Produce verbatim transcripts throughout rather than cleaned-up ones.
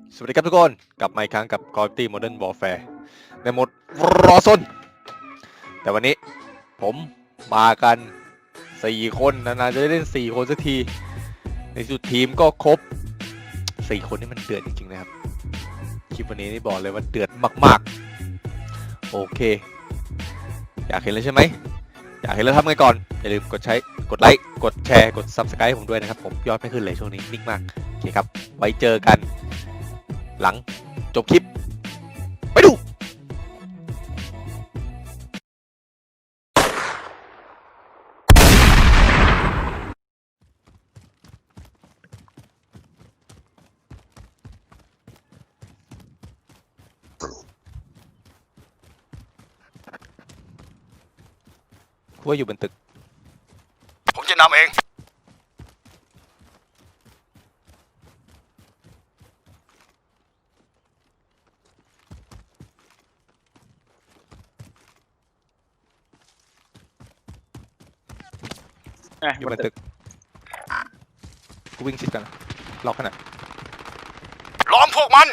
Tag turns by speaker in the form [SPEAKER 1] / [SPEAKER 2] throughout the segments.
[SPEAKER 1] สวัสดีครับทุกคนกลับมาอีกครั้งกับ Call of Duty Modern Warfare ในโหมดรอซนแต่วันนี้ผมมากันสี่คนนานๆจะได้เล่นสี่คนสักทีในสุดทีมก็ครบสี่คนนี่มันเดือดจริงๆนะครับคลิปวันนี้นี่บอกเลยว่าเดือดมากๆโอเคอยากเห็นเลยใช่ไหมอยากเห็นแล้วทำไงก่อนอย่าลืมกดใช้กดไลค์กดแชร์กด Subscribe ให้ผมด้วยนะครับผมยอดไม่ขึ้นเลยช่วงนี้นิ่งมากโอเคครับไว้เจอกันหลังจบคลิปไปดูคุยอยู่บนตึกผมจะนำเองอยู่บนตึกกูวิ่งชิดกันล็อกขนาดล้อมพวกมัน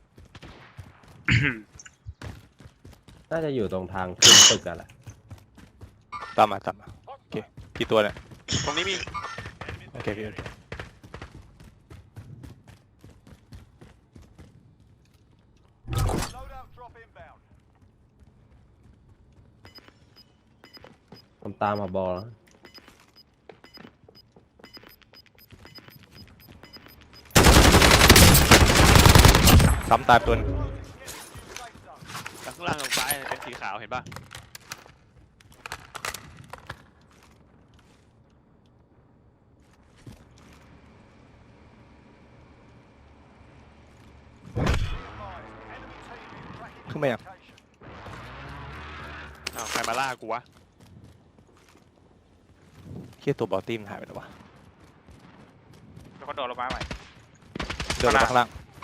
[SPEAKER 2] น่าจะอยู่ตรงทางขึ้นตึกกันแหละ
[SPEAKER 1] ตามมาตามมาโอเคกี่ตัวเนี่ย
[SPEAKER 3] ตรงนี้มี
[SPEAKER 1] โอเคโอเคโอเค
[SPEAKER 2] ผมตามมาบอลแล้ว
[SPEAKER 1] ซ้ำตายตัวนึง
[SPEAKER 3] จากข้างล่างลงซ้ายเป็นสีขาวเห็นป่ะ
[SPEAKER 1] ขึ้นมายัง
[SPEAKER 3] อ้าวใครมาล่ากูวะ
[SPEAKER 1] เคียตัวบอลตี้มันหายไปแล้ววะ
[SPEAKER 3] แล้วก็โดดลงมาใหม่
[SPEAKER 1] เดินลงมาข้างล่าง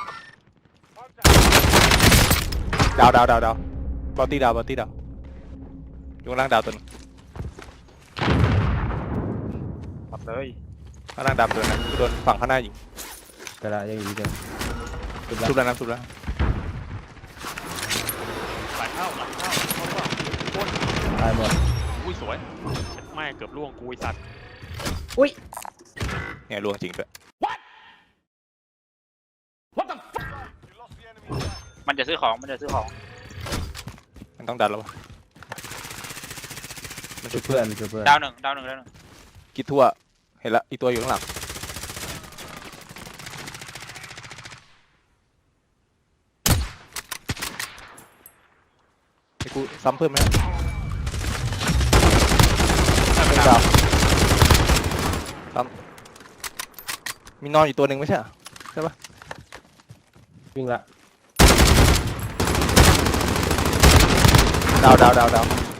[SPEAKER 1] ดาวดาวดาวดาวบอลตี้ดาวบอลตี้ดาวอยู่ข้างล่างดาวตัวนึง
[SPEAKER 3] ปัดเลย
[SPEAKER 1] ข้างล่างดาวตัวนึงกูโดนฝั่งข้างหน้ายิง
[SPEAKER 2] กระดาษยังอยู่เดิม
[SPEAKER 1] ชุบแล้วนะชุบแล้ว
[SPEAKER 3] หลังเข้าหลังเข้าเข้าว่าโคตร
[SPEAKER 2] ตายหมด
[SPEAKER 3] อุ้ยสวยเช็ดไม่เกือบล่วงกูไอ้สัตว์
[SPEAKER 2] อุ้ย
[SPEAKER 1] เนี่ยล่วงจริงด้วย
[SPEAKER 4] มันจะซื้อของ มันจะซื้อของ
[SPEAKER 1] มันต้องดันแล้ววะมัน
[SPEAKER 2] ช่
[SPEAKER 1] ชุ
[SPEAKER 2] วย
[SPEAKER 1] บ
[SPEAKER 2] เพื่อนช่วยเพื่อน
[SPEAKER 4] ดาวหนึ่งดาวหนึ่งดาวหนึ่ง
[SPEAKER 1] กิดทั่วเห็นละอีกตัวอยู่ข้างหลังไอ้กูซ้ำเพิ่มไหมเป็นดาวซ้ำมีนอนอยู่ตัวหนึ่งไม่ใช่เหรอใช่ปะ
[SPEAKER 2] วิ่งละ
[SPEAKER 1] ดาวดาวดาวดาว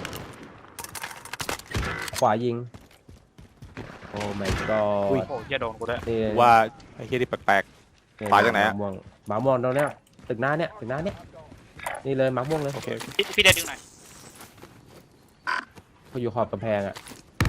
[SPEAKER 2] ขวายิงโอ้ my god
[SPEAKER 4] โอ้ยอย่าโดนกูด้วย
[SPEAKER 2] นี่
[SPEAKER 1] ว่าไอ้เฮียนี่แปลก ปลาจากไหนอะ
[SPEAKER 2] ม่วงหมาม่วงตรงเนี้ยตึกหน้าเนี้ยตึกหน้าเนี้ยนี่เลยหมาม่วงเลย
[SPEAKER 1] ๆโอเคโอเค
[SPEAKER 4] พี่พี่ได้ดึงหน่อย
[SPEAKER 2] เขาอยู่ขอบกำแพงอ่ะ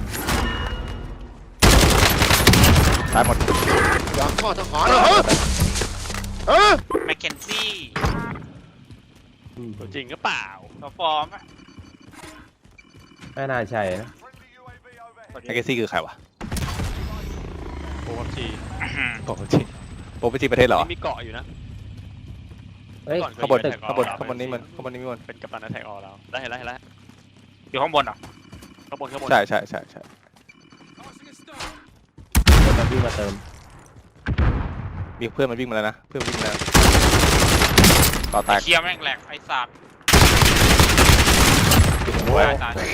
[SPEAKER 1] ตายหมด
[SPEAKER 5] อยากทอดทหารเหรอฮะเออ
[SPEAKER 4] แมคเคนซี่
[SPEAKER 2] อืม
[SPEAKER 3] ตัวจริงก็เปล่า
[SPEAKER 4] ตัวฟอร์มอะ
[SPEAKER 2] ไม่น่าใช่นะ
[SPEAKER 1] ไอเกซี่คือใครวะ
[SPEAKER 3] โอ้ชี
[SPEAKER 1] โปรจีโปรจีประเทศเหรอ
[SPEAKER 3] มีเกาะอยู่นะ
[SPEAKER 2] เฮ้ย
[SPEAKER 3] ก่อนเค
[SPEAKER 1] ข้าย งบน
[SPEAKER 3] อยู่ Attack
[SPEAKER 1] ข้างบน
[SPEAKER 3] All
[SPEAKER 1] ข้างบนนี้มันข้างบนนี้มัน
[SPEAKER 3] เป็นกัปตันแท็กออลแล้วได้เห็นแล้วเห็นแล้ว
[SPEAKER 4] อยู่ข้างบนเหรอ
[SPEAKER 3] ข้างบนข้างบน
[SPEAKER 1] ใช่ใช่ใช่ใช่
[SPEAKER 2] คนมาวิ่งมาเติม
[SPEAKER 1] มีเพื่อนมันวิ่งมาแล้วนะเพื่อนวิ่งมาแล้วต่อแต
[SPEAKER 4] ไอ้
[SPEAKER 1] ก
[SPEAKER 4] เคียแม่งแหลกไอ้สัตว์
[SPEAKER 1] โอ้ย
[SPEAKER 4] ตายตาย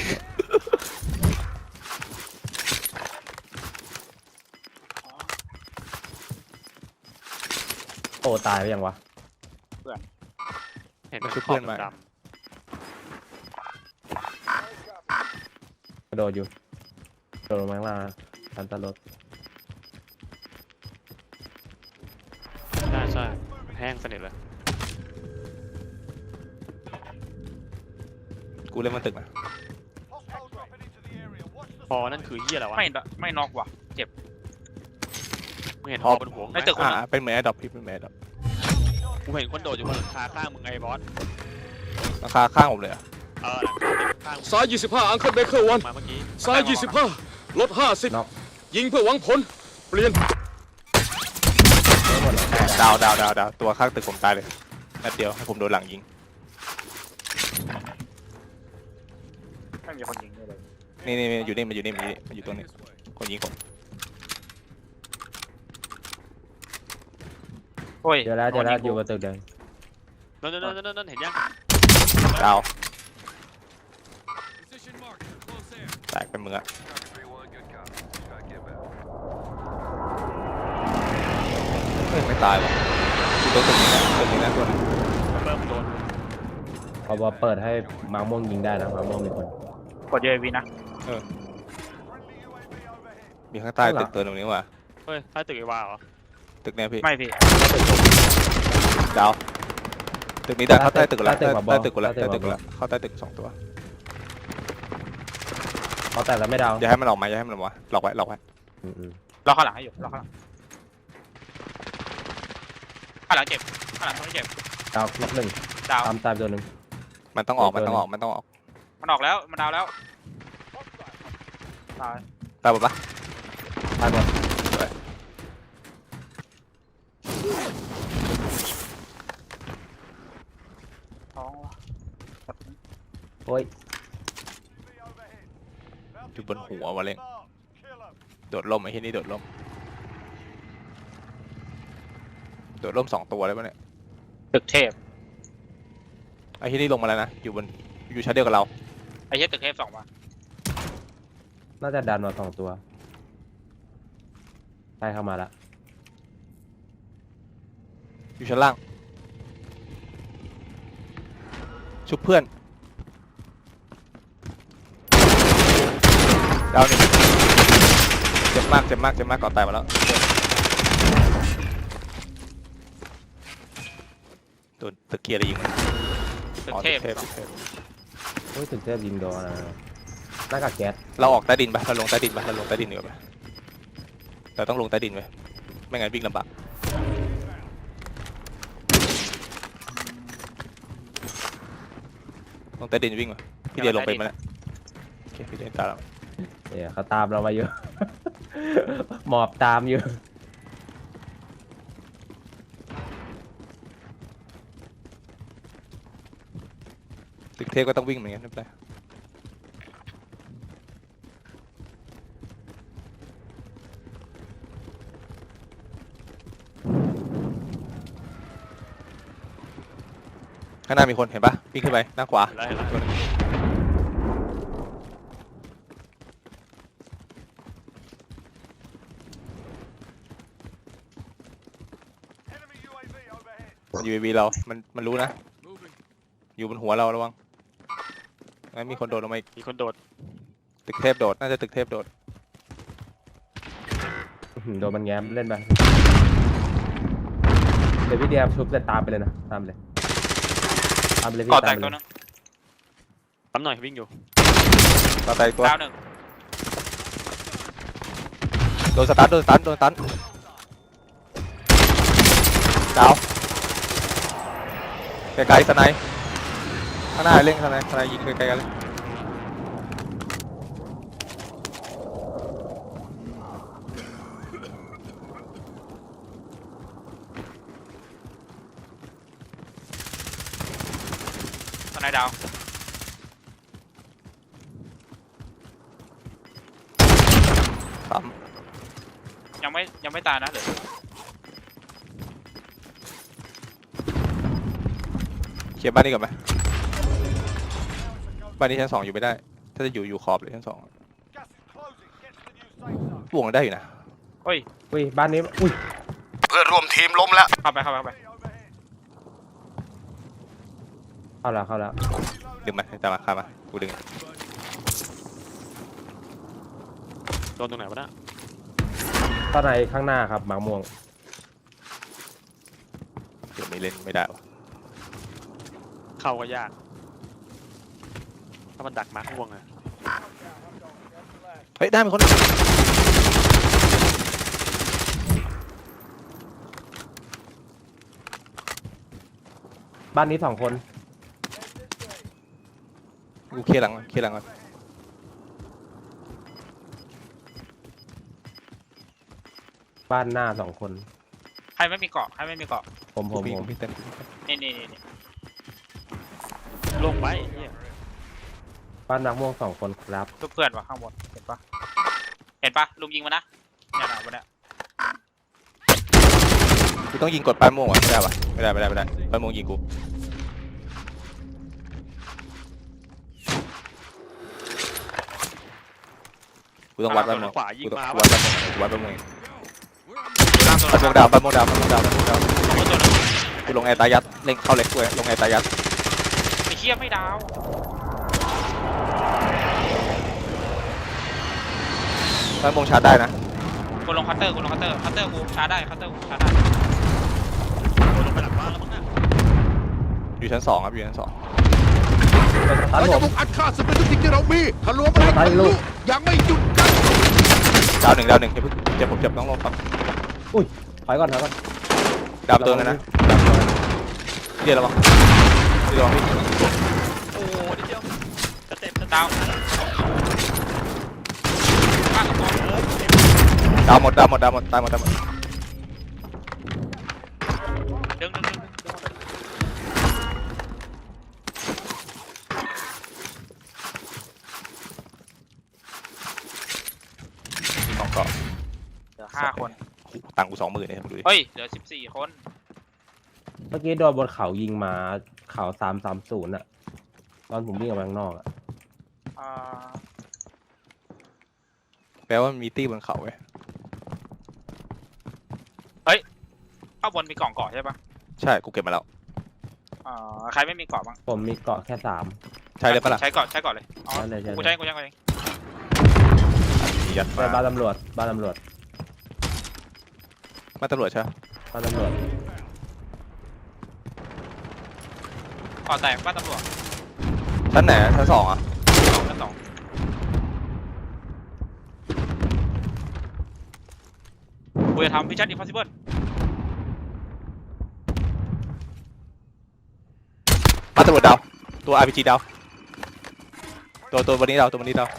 [SPEAKER 2] โอ้ตายไปยังวะ
[SPEAKER 3] เห็นมันชุบเพื่อนมา
[SPEAKER 2] กระโดดอยู่กระโดดลงมาข้างล่างทันตลด
[SPEAKER 3] ใช่ใช่แห้งสนิทเลย
[SPEAKER 1] กูเล่นมันตึกนะ
[SPEAKER 3] พอนั่นคือเหี้ยอะไรวะ
[SPEAKER 4] ไม่ไม่น็อกว่ะ เจ็บ
[SPEAKER 3] มึงเห็นพอบนหัวไหม
[SPEAKER 4] ในตึก
[SPEAKER 1] อ่าเป็นเหมือนแอดดอปพี่เป็นเหมือนแอดดอป
[SPEAKER 3] กูเห็นคนโดดอยู่บนหลังคาข้างมึงไอ้บอส
[SPEAKER 1] ราคาข้างผมเลยเหรอ
[SPEAKER 3] เออหลังคาตึกข้างมึง
[SPEAKER 5] ซ้ายยี่สิบห้าอังเคิลเบเกอร์วัน
[SPEAKER 3] มาเมื่อกี้
[SPEAKER 5] ซ้ายยี่สิบห้าลดห้าสิบ
[SPEAKER 2] น็อก
[SPEAKER 5] ยิงเพื่อหวังผล เปลี่ยน
[SPEAKER 2] ไม่หมดแล้ว
[SPEAKER 1] ดาวดาวดาวดาวตัวข้างตึกผมตายเลยนัดเดียวให้ผมโดนหลังยิง
[SPEAKER 4] ไม่มีคนยิงเลย
[SPEAKER 1] นี่นี่นี่อยู่นี่มันอยู่นี่มันอยู่นี่มันอยู่ตรงนี้คนยิงผม
[SPEAKER 4] โอ้ย
[SPEAKER 2] เดี๋ยวแล้วเดี๋ยวแล้วอยู่กับตึกแดง
[SPEAKER 3] นั่นนั่นนั่นนั่นเห็นยัง
[SPEAKER 1] ดาวแตกเป็นมืออะเฮ้ยไม่ตายวะอยู่ตรงตึกนี้นะตึกนี้นะตัวนึง
[SPEAKER 3] เริ่มโดน
[SPEAKER 2] พอเปิดให้มาม่วงยิงได้นะมาม่วงมีคน
[SPEAKER 4] กด ยู เอ วี นะ
[SPEAKER 1] มีข้างใต้ตึกตัวตรงนี้ว่ะ
[SPEAKER 3] เฮ้ยใต้ตึกไอ้วาเหรอ
[SPEAKER 1] ตึกเนี้ยพี่
[SPEAKER 4] ไม่พี่
[SPEAKER 1] ดาวตึกนี้ได้เข้าใต้ตึกแล้วใต้ใต้ตึกกูแล้วใต้ตึกกูแล้วเข้าใต้ตึกสองตัว
[SPEAKER 2] เขาแตกแล้วไม่ดาว
[SPEAKER 1] อย่าให้มันออกมาอย่าให้มันออกมาหลอกไว้หลอกไว้
[SPEAKER 2] อืมอืม
[SPEAKER 4] รอข้างหลังให้อยู่รอข้างหลังข้างหลังเจ็บข้างหลังไม่เจ็บ
[SPEAKER 2] ดาวน็อกหนึ่ง
[SPEAKER 4] ดาว
[SPEAKER 2] ตามตามตัวหนึ่ง
[SPEAKER 1] มันต้องออกมันต้องออกมันต้องออก
[SPEAKER 4] มันออกแล้วมันดาวแล้วตาย
[SPEAKER 1] ตายหมดปะ
[SPEAKER 2] ตายหมด
[SPEAKER 4] ท้อง
[SPEAKER 2] โอ้ย
[SPEAKER 1] อยู่บนหัววะเล่งโดดล่มไอ้ที่นี่โดดล่มโดดล่มสองตัวเลยปะเนี่ย
[SPEAKER 4] ตึกเทพ
[SPEAKER 1] ไอ้ที่นี่ลงมาแล้วนะอยู่บนอยู่ชั้นเดียวกับเรา
[SPEAKER 4] ไอ้เหี้ยตึกเทพสองมา
[SPEAKER 2] น่าจะดันมาสองตัวใช่เข้ามาละ
[SPEAKER 1] อยู่ชั้นล่างชุบเพื่อนดาวหนึ่งเจ็บมากเจ็บมากเจ็บมากก่อนตายมาแล้วโดนตะเกียร์อะไรยิงมัน
[SPEAKER 4] ตึก
[SPEAKER 1] อ๋อ
[SPEAKER 4] เทพ
[SPEAKER 1] ตึกเทพตึกเทพ
[SPEAKER 2] โอ้ยถึงเทพยิงโดนนะหน้ากากแก๊ส
[SPEAKER 1] เราออกใต้ดินปะเราลงใต้ดินปะเราลงใต้ดินดีกว่าปะเราต้องลงใต้ดินไว้ไม่งั้นวิ่งลำบากลงใต้ดินวิ่งมาพี่เดียลงไปมาแล้วโอเคพี่เดียตามเรา
[SPEAKER 2] เนี่ยเขาตามเรามาอยู่ หมอบตามอยู่
[SPEAKER 1] ตึกเทพก็ต้องวิ่งเหมือนกันไม่เป็นไรข้างหน้ามีคนเห็นปะวิ่งขึ้นไปหน้าขวา
[SPEAKER 3] เห็นแล้วเห็นแล้ว
[SPEAKER 1] ตัวหนึ่งยู เอ วี เรา มัน มันรู้นะ อยู่บนหัวเราระวังงั้นมีคนโดดลงมาอีก
[SPEAKER 3] มีคนโดด
[SPEAKER 1] ตึกเทพโดด น่าจะตึกเทพโดด
[SPEAKER 2] อื้อหือโดนมันแง้มเล่นไปเดี๋ยวพี่เดียชุบเสร็จตามไปเลยนะตามไปเลยตามไปเลยพี่
[SPEAKER 4] ก่อแต
[SPEAKER 2] ตาม
[SPEAKER 4] ก
[SPEAKER 2] ไป
[SPEAKER 4] ตัว
[SPEAKER 2] เลย
[SPEAKER 4] นึง
[SPEAKER 3] ปั๊มหน่อยวิ่งอยู่
[SPEAKER 1] ต่อไปอีกตัว
[SPEAKER 4] ดาวหนึ่ง
[SPEAKER 1] โดนสตันโดนสตันโดนสตันดาวไกลๆสไนป์ข้างหน้าเล่นสไนป์สไนป์ยิงไกลๆกันเลย
[SPEAKER 4] ตอนไหนดาว
[SPEAKER 1] สาม
[SPEAKER 4] ยังไม่ยังไม่ตายนะเหลือ
[SPEAKER 1] เคลียร์บ้านนี้ก่อนไหมบ้านนี้ชั้นสองอยู่ไม่ได้ ถ้าจะอยู่อยู่ขอบเลยชั้นสองบวกได้อยู่นะ
[SPEAKER 4] เฮ้ย
[SPEAKER 2] อุ้ยบ้านนี้อุ้ย
[SPEAKER 5] เพื่อนร่วมทีมล้มแล้ว
[SPEAKER 4] เข้าไปเข้าไปเข้าไป
[SPEAKER 2] เข้าแล้วเข้าแล้ว
[SPEAKER 1] ดึงมาตามมาข้ามมากูดึง
[SPEAKER 3] โดนตรงไหนวะน่ะ
[SPEAKER 2] ตอนไหนข้างหน้าครับหมากม่วง
[SPEAKER 1] เดี๋ยวไม่เล่นไม่ได้วะ
[SPEAKER 3] เข้าก็ยากถ้ามันดักมาร์คม่วงอะ
[SPEAKER 1] เฮ้ยได้เป็นคน
[SPEAKER 2] บ้านนี้สองคน
[SPEAKER 1] กูเคลียร์หลังก่อนเคลียร์หลังก่อน
[SPEAKER 2] บ้านหน้าสองคน
[SPEAKER 4] ใครไม่มีเกาะใครไม่มีเกาะ
[SPEAKER 2] ผมผม
[SPEAKER 1] กูพี่
[SPEAKER 2] ผ
[SPEAKER 1] กู
[SPEAKER 2] ม
[SPEAKER 1] พี่เต็ม
[SPEAKER 4] นี่นี่นี่นี่
[SPEAKER 3] ลงไปเหี้ย
[SPEAKER 2] บ้านนักม่วงสองคนครับ
[SPEAKER 4] ทุกเพื่อนวะข้างบนเห็นปะเห็นปะลุงยิงมานะเนี่ยนะวันเนี้ย
[SPEAKER 1] กูต้องยิงกดปลายโมงอ่ะไม่ได้ปะไม่ได้ไม่ได้ไม่ได้ปลายโมงยิงกูกูต้องวัดปลายโมง
[SPEAKER 3] ขวายิง
[SPEAKER 1] กูต้อง
[SPEAKER 3] มา
[SPEAKER 1] วัดปลายโมงกูวัดปลายโมง
[SPEAKER 4] ล่างตัว
[SPEAKER 1] ปลายโมงดาวปลายโมงดาวปลายโมงดาวปลายโมงดาว
[SPEAKER 4] ตัวนึง
[SPEAKER 1] กูลงแอร์ตายัดเล่งเข้าเล็กกูลงแอร์ตายัด
[SPEAKER 4] ไอ้เชี่ยไม่ดาว
[SPEAKER 1] ปลายโมงชาร์จได้นะ
[SPEAKER 4] กูลงคัตเตอร์กูลงคัตเตอร์คัตเตอร์กูชาร์จได้คัตเตอร์กูชาร์จได้
[SPEAKER 3] ลงไปหลังบ้านแล้วมั้งน่ะ
[SPEAKER 1] อยู่ชั้นสองครับอยู่ชั้นสอง
[SPEAKER 2] ตัน
[SPEAKER 5] เรา
[SPEAKER 2] ผ
[SPEAKER 5] จะ
[SPEAKER 2] ม
[SPEAKER 5] บุกอัดฆ่าศึกในทุกสิ่งที่เรามีทะลวงไปให้
[SPEAKER 2] ไป
[SPEAKER 5] ทะ
[SPEAKER 2] ลู
[SPEAKER 5] ลุ
[SPEAKER 2] ก
[SPEAKER 5] ยังไม่หยุดยั้ง
[SPEAKER 1] ดาวหนึ่งดาวหนึ่งเดี๋ยวเจ็บผมเจ็บต้องลงครับ
[SPEAKER 2] ถอยก่อนถอยก่อน
[SPEAKER 1] ดาวตัวนึงนะเรียกระวังเรียกระวังพี่
[SPEAKER 3] โอ้นิดเดียวสเต็ปสเต็ป
[SPEAKER 4] ดาวข้างกับบอล
[SPEAKER 3] เอ้ยสเต็ป
[SPEAKER 1] ดาวหมดดาวหมดดาวหมดตายหมดตายหมด
[SPEAKER 4] ดึงดึงดึงดึงดึง
[SPEAKER 1] มีสองเกาะ
[SPEAKER 4] เหลือห้าคน
[SPEAKER 1] ตังค์กูสองหมื่นเนี่ยมึงดูดิ
[SPEAKER 4] เฮ้ยเหลือสิบสี่คน
[SPEAKER 2] เมื่อกี้โดนบนเขายิงมาเขาสามสามศูนย์อะตอนผมวิ่งออกมาข้างนอกอะ
[SPEAKER 4] อ่า
[SPEAKER 1] แปลว่ามีตี้บนเขาเว้ย
[SPEAKER 4] ข้างบนมีกล่องเกาะใช่ปะ
[SPEAKER 1] ใช่กูเก็บมาแล้ว
[SPEAKER 4] อ่าใครไม่มีเกาะบ้าง
[SPEAKER 2] ผมมีเกาะแค่สาม
[SPEAKER 1] ใช่เลยปะล่ะ
[SPEAKER 4] ใช้เกาะใช้เกาะเลยอ๋อ
[SPEAKER 2] ใช่เลยใช่
[SPEAKER 4] กู
[SPEAKER 2] เล
[SPEAKER 4] ใช้
[SPEAKER 2] ย
[SPEAKER 4] กูใช้กูเอง
[SPEAKER 1] ยัด
[SPEAKER 2] ไป
[SPEAKER 1] มา
[SPEAKER 2] บ้านตำรวจบ้านตำรวจ
[SPEAKER 1] มาตำรวจใช่ไหม
[SPEAKER 2] บ้านตำรวจ
[SPEAKER 4] เกาะแตกบ้านตำรวจ
[SPEAKER 1] ชั้นไหนชั้นสองอ่ะ
[SPEAKER 4] ชั้นสองกูจะทำพิชัดอิมพอสิเบิล
[SPEAKER 1] มาตำรวจดาวตัว อาร์ พี จี ดาวตัวตัววันนี้ดาวตัววันนี้ดาว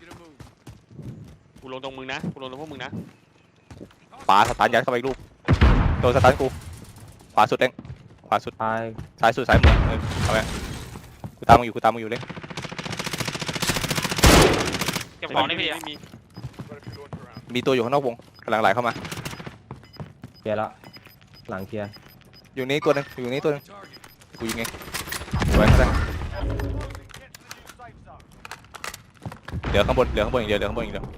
[SPEAKER 3] กูลงตรงมึงนะกูลงตรงพวกมึงนะ
[SPEAKER 1] ปาสตาร์ทยัดเข้าไปอีกลูกตัวสตาร์ทกูขวาสุดเองขวาสุด
[SPEAKER 2] ตาย
[SPEAKER 1] ซ้ายสุดซ้ายมือเออเอาไปกูตามมึงอยู่กูตามมึงอยู่เล็ก
[SPEAKER 4] เก็บของได้พี่
[SPEAKER 3] ไม่มี
[SPEAKER 1] มีตัวอยู่ข้างนอกวงกำลังไหลเข้ามา
[SPEAKER 2] เคลียร์ละหลังเคลียร์
[SPEAKER 1] อยู่นี่ตัวหนึงอยู่นี่ตัวหนึงกูยิงเองไว้ก็ได้เหลือข้างบนเหลือข้างบนอย่างเดียวเหลือข้างบนอย่างเดียว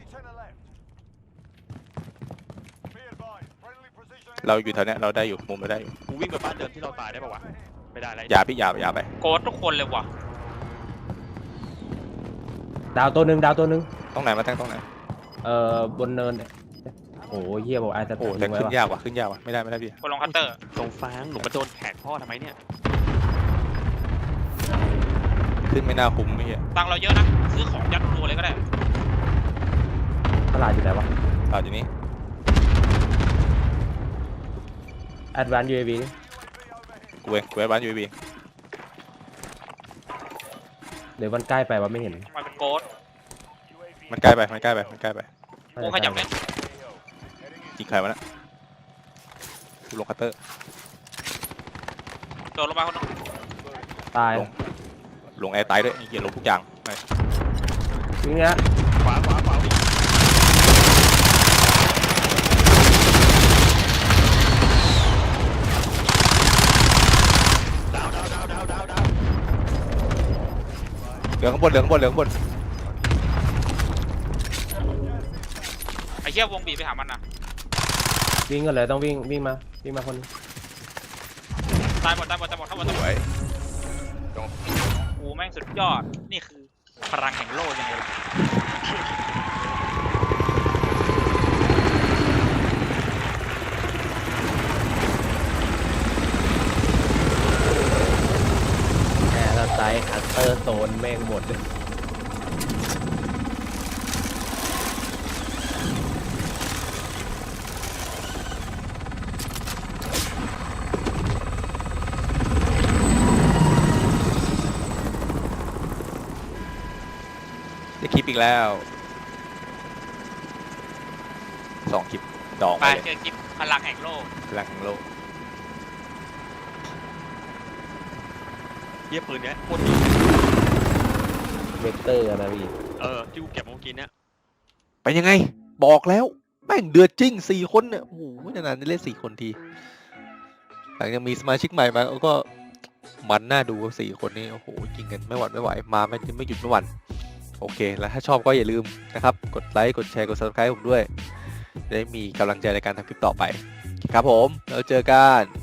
[SPEAKER 1] เราอยู่แถวเนี้ยเราได้อยู่มุมเราได้อยู่
[SPEAKER 3] กูวิ่งไปบ้านเดิมที่เราตายได้ปะวะไม่ได้ไร
[SPEAKER 1] อย่าพี่อย่าอย่าไป
[SPEAKER 4] โกดทุกคนเลยว่ะ
[SPEAKER 2] ดาวตัวหนึ่งดาวตัวหนึ่ง
[SPEAKER 1] ตรงไหนมาตั้งตรงไหน
[SPEAKER 2] เอ่อบนเนินเนี่ยโอ้ยเฮียบอกไอ้จะ
[SPEAKER 1] โอ้แต่ขึ้นยากว่ะขึ้นยากว่ะไม่ได้ไม่ได้พี่
[SPEAKER 4] กูลงคัตเตอร์
[SPEAKER 3] ตรงฟางหนูมาโดนแขนพ่อทำไมเนี่ย
[SPEAKER 1] ขึ้นไม่น่าคุ้มไม่เหี้ย
[SPEAKER 4] ตังค์เราเยอะนะซื้อของยัดรัวเลยก็ได้
[SPEAKER 2] ตลาดอยู่ไหนวะ
[SPEAKER 1] ตอนอยู่นี้
[SPEAKER 2] Advanced ยู เอ วี
[SPEAKER 1] กูเองกูไอ้บ้านยูบี
[SPEAKER 2] เดี๋ยวมันใกล้ไปว่าไม่เห็น
[SPEAKER 4] มันเป็นโกด
[SPEAKER 1] มันใกล้ไปมันใกล้ไปมันใกล้ไป
[SPEAKER 4] กูขยับเล่น
[SPEAKER 1] ยิงใครวะน่ะกูลงคัตเตอร์
[SPEAKER 4] โดนลงมาคนนึง
[SPEAKER 2] ตาย
[SPEAKER 1] ลง ลงแอร์ตายด้วยไอ้เหี้ยลงทุกอย่างไป
[SPEAKER 2] วิ่งเนี้ย
[SPEAKER 3] ขวาขวาขวาวิ่ง ดาวดาวดาวดาวดาวดาว
[SPEAKER 1] เหลือข้างบนเหลือข้างบนเหลือข้างบน
[SPEAKER 4] ไอ้เหี้ยวงบีบไปหามันนะ
[SPEAKER 2] วิ่งกันเลยต้องวิ่งวิ่งมาวิ่งมาคนนึง
[SPEAKER 4] ตายหมดตายหมดตายหมดทั้งหมดทั้งหม
[SPEAKER 1] ส
[SPEAKER 4] ด
[SPEAKER 1] วย
[SPEAKER 4] กูแม่งสุดยอดนี่คือพลังแห่งโลกยังไงล่ะ
[SPEAKER 2] แอร์ไซด์อัลเตอร์โซนแม่งหมดเลย
[SPEAKER 1] อีกแล้วสองคลิปดอง
[SPEAKER 4] ไป
[SPEAKER 1] ไปเลย
[SPEAKER 4] เจอคลิปพลังแห่งโลก
[SPEAKER 1] พลังโลก
[SPEAKER 3] เยี่ยปืนเนี้ยโคตรดี
[SPEAKER 2] เวกเตอร์อะนะพี่
[SPEAKER 3] เออที่กูเก็บมาเมื่อกี้เนี้ย
[SPEAKER 1] เป็นยังไงบอกแล้วแม่งเดือดจริงสี่คนเนี่ยโอ้โหนานๆได้เล่นสี่คนทีหลังจากมีสมาชิกใหม่มาก็มันน่าดูสี่คนนี้โอ้โหยิงกันไม่หวั่นไม่ไหวมาไม่ไม่หยุดไม่หวั่นโอเคแล้วถ้าชอบก็อย่าลืมนะครับกดไลค์กดแชร์กด ซับสไครบ์ ผมด้วยจะได้มีกำลังใจในการทำคลิปต่อไปครับผมแล้วเจอกัน